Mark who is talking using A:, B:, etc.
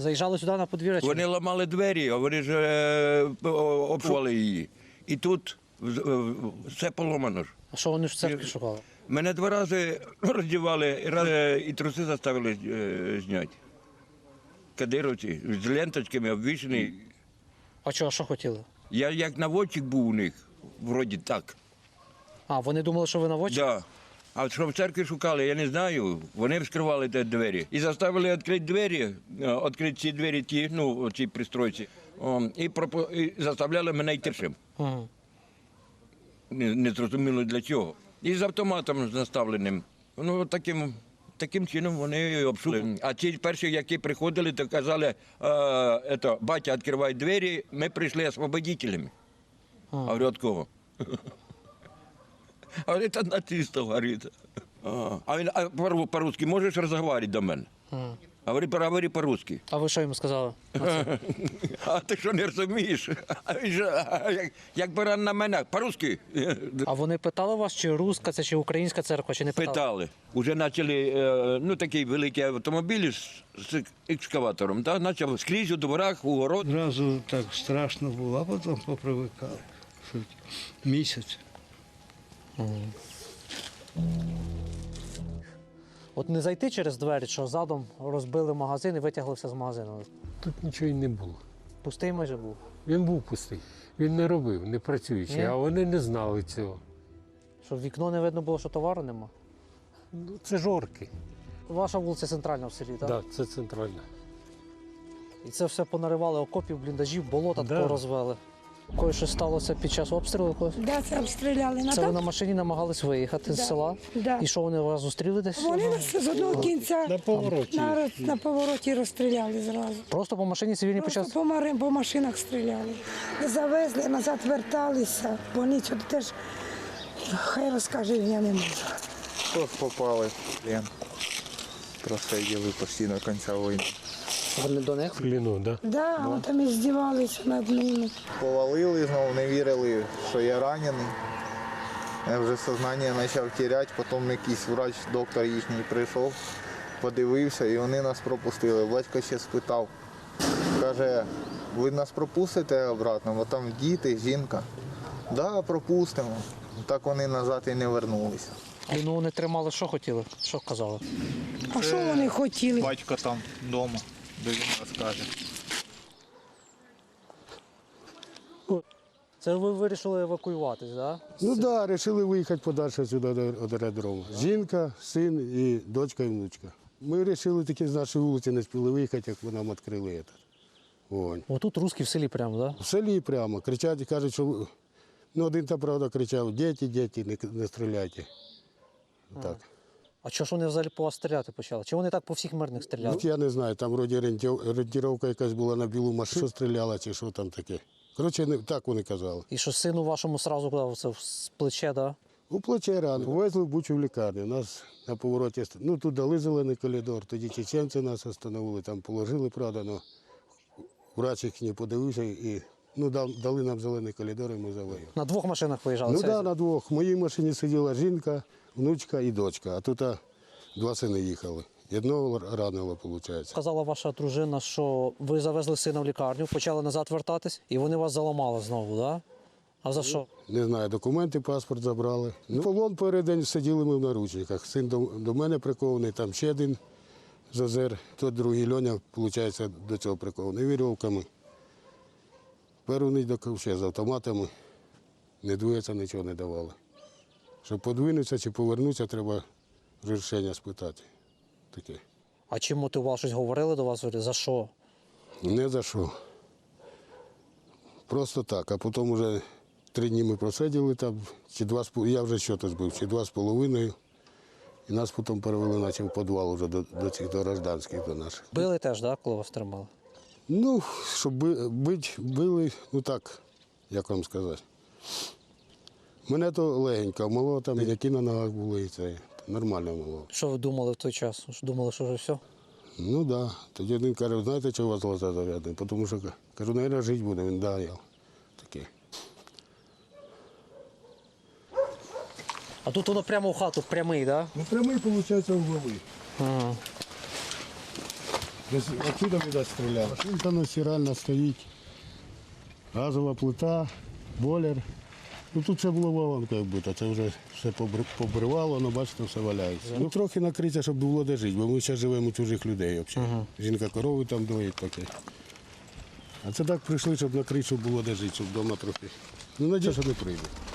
A: Заїжджали сюди на подвір'я? чи
B: Вони
A: ні?
B: ламали двері, а вони ж обшували її. І тут все поломано ж.
A: А що вони ж в церкві шукали?
B: Мене 2 рази роздівали, і труси заставили зняти. Кадировці з ленточками обвішані.
A: А що хотіли?
B: Я як наводчик був у них, вроді так.
A: А, вони думали, що ви наводчик?
B: Да. А що в церкві шукали, я не знаю. Вони вскривали ті двері. І заставили відкрити двері, відкрити ці двері, ці пристройці. І заставляли мене йти шим.
A: Угу.
B: Не зрозуміло для чого. І з автоматом наставленим. Таким чином вони обшукали. А ті перші, які приходили, то казали, батя, відкривай двері, ми прийшли освободителями. А говорю, від кого? А говорить, от нацистів, говорить. А він, по-русски можеш розмовляти до мене? Говори по-русски.
A: А ви що йому сказали?
B: А ти що не розумієш? А він же, як баран на мене, по-русски.
A: А вони питали вас, чи руська це, чи українська церква, чи не питали?
B: Питали. Уже почали, такі великі автомобілі з екскаватором, почав скрізь у дворах, у город.
C: Зразу так страшно було, а потім попривикали. Місяць.
A: От не зайти через двері, що задом розбили магазин і витягли все з магазину.
D: Тут нічого й не було.
A: Пустий майже був.
D: Він був пустий. Він не робив, не працюючий,
A: Ні?
D: а вони не знали цього.
A: Щоб в вікно не видно було, що товару нема.
D: Ну, це жорки.
A: Ваша вулиця центральна в селі, так?
D: Так, це центральна.
A: І це все понаривали окопів, бліндажів, болота
D: Да.
A: такого розвели. Кое що сталося під час обстрілу?
E: Да, це обстріляли.
A: Це ви на машині намагались виїхати з села?
E: Да.
A: І що вони вас зустріли десь?
E: Вони нас з одного кінця
D: На повороті.
E: на повороті розстріляли зразу.
A: Просто по машині цивільні почали?
E: Просто по машинах стріляли. Завезли, назад верталися. Больницю теж, хай розкаже, я не можу.
F: Тут попали в плен. Просиділи постійно кінця війни.
A: Вони до них?
D: Кліну, так?
E: Да, вони там і здівалися над ними.
F: Повалили знову, не вірили, що я ранений. Я вже сознання почав теряти, потім якийсь врач, доктор їхній прийшов, подивився і вони нас пропустили. Батько ще спитав, каже, ви нас пропустите обратно, бо там діти, жінка. Так, да, пропустимо. Так вони назад і не вернулися.
A: Ну вони тримали, що хотіли? Що казали?
E: А що вони хотіли?
F: Батько там вдома, де він розкаже.
A: Це ви вирішили евакуюватись, так? Да?
G: Ну так, да, вирішили виїхати подальше сюди до аеродрому. Жінка, син і дочка і внучка. Ми вирішили таки з нашої вулиці не спіли виїхати, як ви нам відкрили.
A: Отут русські в селі прямо, так? Да?
G: В селі прямо кричать і кажуть, що один та правда кричав, діти, не стріляйте. Так.
A: А чого ж вони взагалі по вас стріляти почали? Чи вони так по всіх мирних стріляли?
G: Я не знаю, там вроді орієнтировка якась була на білу машину, що стріляла чи що там таке. Коротше, так вони казали.
A: І що сину вашому сразу куди це в плече, так? Да?
G: У плече рано. Повезли в Бучу в лікарню. Нас на повороті, тут дали зелений коридор, тоді чеченці нас остановили, там положили, правда, але врач їх не подивився і дали нам зелений коридор і ми завели.
A: На 2 машинах виїжджали?
G: Ну так, на 2. В моїй машині сиділа жінка, внучка і дочка, а тут 2 сини їхали. Одного ранило, виходить.
A: Сказала ваша дружина, що ви завезли сина в лікарню, почали назад вертатись, і вони вас заламали знову, так? Да? А за що?
G: Не знаю, документи, паспорт забрали. Полон перед день сиділи ми в наручниках. Син до мене прикований, там ще один Зозер, той другий Льоня, виходить, до цього прикований вірьовками. Перший ще з автоматами, не двоється, нічого не давали. Щоб подвинутися чи повернутися, треба рішення спитати. Таке.
A: А чим мотивував? Щось говорили до вас? За що?
G: Не за що. Просто так. А потім вже 3 дні ми просиділи там, я вже що-то збив, чи 2,5. І нас потім перевели, наче в підвал вже до цих гражданських, до наших.
A: Били теж, так, коли вас тримали?
G: Ну, щоб били, ну так, як вам сказати. Мене то легенько мало, там які на ногах були, і це нормально мало.
A: Що ви думали в той час? Думали, що вже все?
G: Ну так. Да. Тоді один каже, знаєте, чого у вас глаза зав'язані? Тому що, кажу, навіть жити буде, він да, я такий.
A: А тут воно прямо в хату, прямий, так?
G: Ну, прямий, виходить, в голові.
A: Ага.
G: Десь отсюда, видать, стріляли. Машинка на стиральна стоїть, газова плита, бойлер. Ну тут це було вагонкою вбито, це вже все побривало, ну бачите, все валяється. Ну трохи накриття, щоб було де жити, бо ми зараз живемо у чужих людей взагалі. Жінка корови там доїть таке. А це так прийшли, щоб накрити, щоб було де жити, щоб вдома трохи. Ну, надію, що не прийде.